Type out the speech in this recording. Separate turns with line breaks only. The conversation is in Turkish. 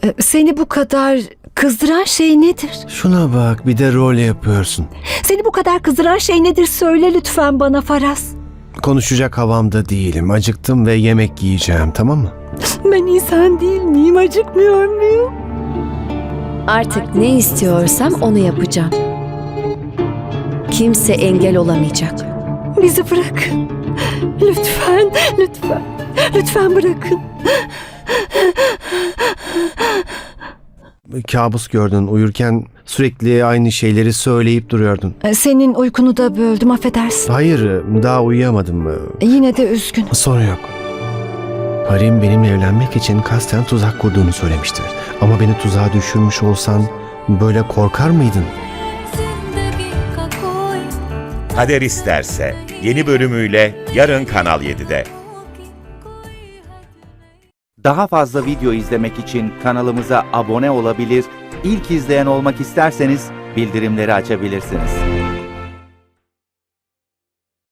Seni bu kadar kızdıran şey nedir?
Şuna bak, bir de rol yapıyorsun.
Seni bu kadar kızdıran şey nedir? Söyle lütfen bana Faraz.
Konuşacak havamda değilim. Acıktım ve yemek yiyeceğim, tamam mı?
Ben insan değil miyim? Acıkmıyor muyum?
Artık ne istiyorsam onu yapacağım. Kimse engel olamayacak.
Bizi bırakın. Lütfen, lütfen. Lütfen bırakın.
Kabus gördün, uyurken sürekli aynı şeyleri söyleyip duruyordun.
Senin uykunu da böldüm, affedersin.
Hayır, daha uyuyamadım.
Yine de üzgün.
Sorun yok. Harim benimle evlenmek için kasten tuzak kurduğunu söylemiştir. Ama beni tuzağa düşürmüş olsan böyle korkar mıydın?
Kader İsterse yeni bölümüyle yarın Kanal 7'de.
Daha fazla video izlemek için kanalımıza abone olabilir, ilk izleyen olmak isterseniz bildirimleri açabilirsiniz.